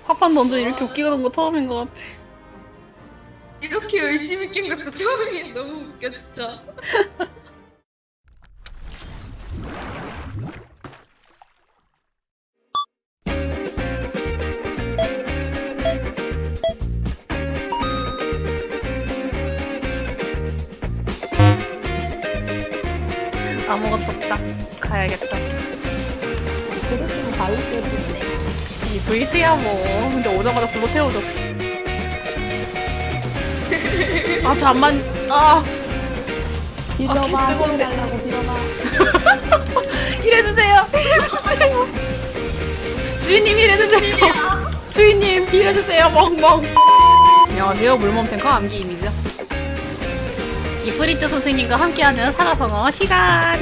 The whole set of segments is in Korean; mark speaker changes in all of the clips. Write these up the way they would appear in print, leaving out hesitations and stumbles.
Speaker 1: 파판 던전 이렇게 웃기는 거 처음인 것 같아.
Speaker 2: 이렇게 열심히 깬 거 진짜 처음이에요. 너무 웃겨 진짜.
Speaker 1: 아무것도 없다. 가야겠다.
Speaker 3: 그릇이랑 발로 떼지.
Speaker 1: 이 VT야 뭐. 근데 오자마자 불로 태워줬어. 아 잠만. 아
Speaker 3: 빌어봐.
Speaker 1: 뜨거운데.
Speaker 3: 달라고 빌어봐.
Speaker 1: 일해주세요. 일해주세요. 주인님 일해주세요. 주인님 일해주세요. 멍멍. 안녕하세요. 물몸 탱커 암기입니다. 이프리트 선생님과 함께하는 사자성어 시간.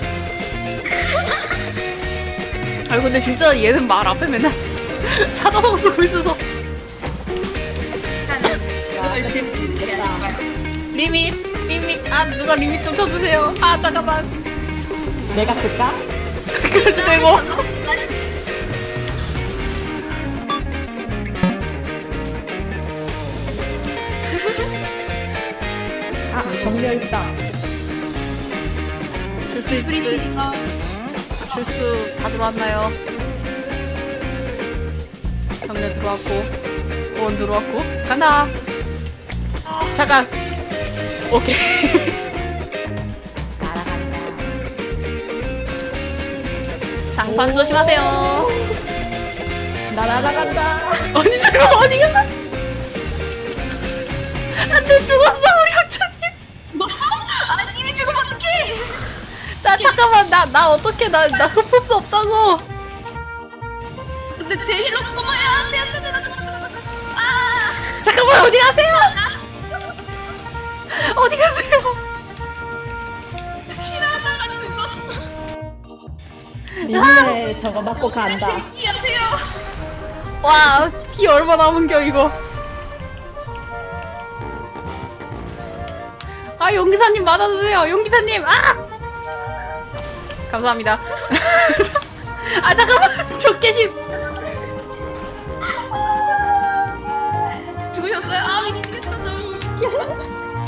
Speaker 1: 아니 근데 진짜 얘는 말 앞에 맨날 사자성어 쓰고 있어서.
Speaker 3: 야,
Speaker 2: 지금
Speaker 3: 됐다.
Speaker 1: 리밋. 아 누가 리밋 좀 쳐주세요. 아 잠깐만.
Speaker 3: 내가 쓸까?
Speaker 1: 그래도 되고.
Speaker 3: 아, 정렬다.
Speaker 1: 줄수 다 들어왔나요? 경례 들어왔고 원 들어왔고 간다. 잠깐. 오케이.
Speaker 3: 날아간다.
Speaker 1: 장판 조심하세요.
Speaker 3: 날아간다.
Speaker 1: 아니 잠깐 어디가? 안돼 죽었어 우리 학자님.
Speaker 2: 뭐? 아니 이미 죽으면 어떡해?
Speaker 1: 자 잠깐만 나 어떻게 나 흡흡수 없다고.
Speaker 2: 근데 제 힐러 꼬마야 안돼 나 죽어. 아
Speaker 1: 잠깐만 어디 가세요? 어디 가세요?
Speaker 2: 힐하다가 죽었어.
Speaker 3: 리미네 저거 맞고 간다.
Speaker 2: 제기하세요.
Speaker 1: 와, 피 얼마 남은겨, 이거. 아, 용기사님 맞아주세요. 용기사님, 아! 감사합니다. 아, 잠깐만. 적개심.
Speaker 2: 죽으셨어요? 아 미치겠다 너무 웃겨.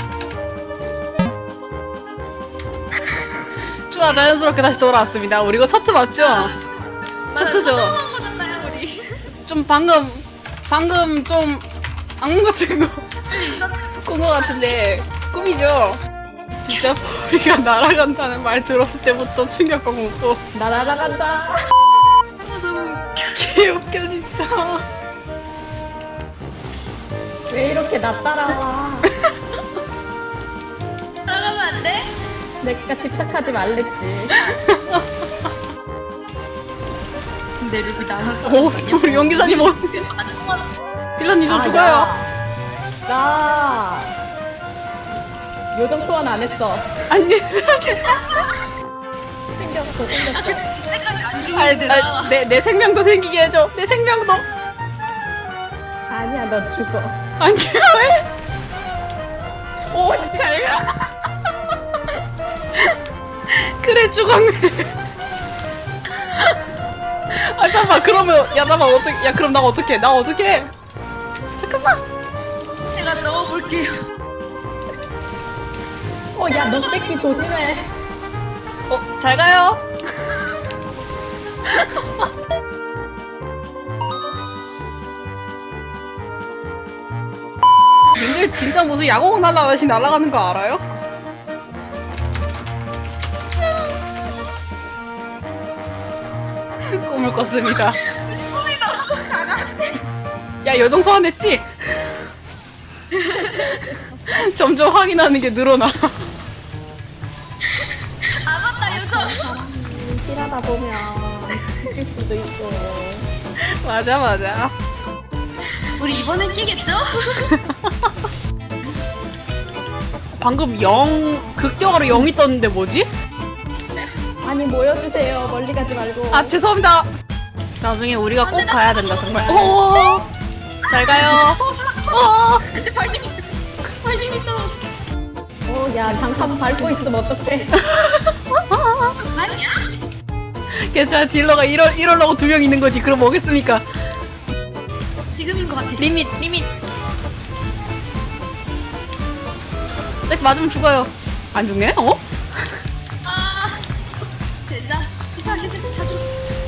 Speaker 1: 좋아, 자연스럽게 다시 돌아왔습니다. 우리 이거 첫트 맞죠? 첫트죠?
Speaker 2: 처음 한 거잖아요 우리.
Speaker 1: 좀 방금 좀 악몽 같은 거 꾼 거 같은데 꿈이죠? 진짜 머리가 날아간다는 말 들었을 때부터 충격감 먹고
Speaker 3: 날아간다.
Speaker 2: 아 너무 웃겨.
Speaker 1: 개웃겨 진짜.
Speaker 3: 왜 이렇게 나 따라와?
Speaker 2: 따라가면 안 돼?
Speaker 3: 내가 집착하지 말랬지.
Speaker 2: 근데 르비 나는
Speaker 1: 오, 우리 용기사님 딜러님 좀 죽어요.
Speaker 3: 나 요정 소환 안 했어.
Speaker 1: 아니,
Speaker 3: 생겼어.
Speaker 2: 때까지 안 죽는데 나.
Speaker 1: 내 생명도 생기게 해줘. 내 생명도.
Speaker 3: 아니야, 너 죽어.
Speaker 1: 아니야 왜?
Speaker 3: 오, 씨.
Speaker 1: 잘 가. 그래 죽었네. 아 잠깐만 그러면 야 잠깐만 어떻게 야 그럼 나 어떡해 나 어떡해 잠깐만.
Speaker 2: 제가 넣어볼게요.
Speaker 3: 야, 너 새끼 조심해.
Speaker 1: 잘 가요. 님들 진짜 무슨 야구공 날아가시 날아가는 거 알아요? 꿈을 꿨습니다. 야 여정 소환했지? 점점 확인하는 게 늘어나.
Speaker 2: 아 맞다 요정.
Speaker 3: 일하다 보면 죽일 수도 있고.
Speaker 1: 맞아.
Speaker 2: 우리 이번엔 끼겠죠?
Speaker 1: 방금 0 극적으로 0이 떴는데 뭐지?
Speaker 3: 아니, 모여주세요. 멀리 가지 말고.
Speaker 1: 아 죄송합니다. 나중에 우리가 꼭 가야 된다 정말. 오, 잘 가요.
Speaker 2: 근데 발림이 떨어졌어.
Speaker 3: 야, 장판 밟고 있으면 어떡해.
Speaker 2: 아니야?
Speaker 1: 괜찮아 딜러가 이러려고 2명 있는 거지. 그럼 뭐겠습니까?
Speaker 2: 지금인 것 같아.
Speaker 1: 리밋. 딱 맞으면 죽어요. 안 죽네? 어?
Speaker 2: 아, 젠장. 괜찮아. 다 죽어.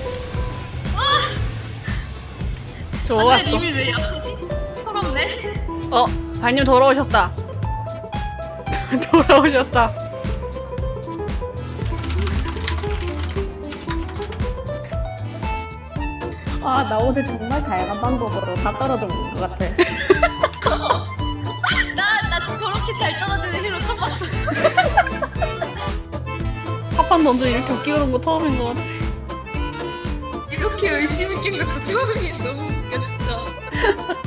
Speaker 1: 좋았어.
Speaker 2: 님이 왜 약하지? 서럽네.
Speaker 1: 발님 돌아오셨다. 돌아오셨다.
Speaker 3: 아, 나 오늘 정말 다양한 방법으로 다 떨어져 먹는 것 같아.
Speaker 2: 나 저렇게 잘 떨어지는 힐로 처음 봤어.
Speaker 1: 합판 던져 이렇게 웃기는 거 처음인 것 같아.
Speaker 2: 이렇게 열심히 낀 거 진짜 처음이야. 너무 웃겨 진짜.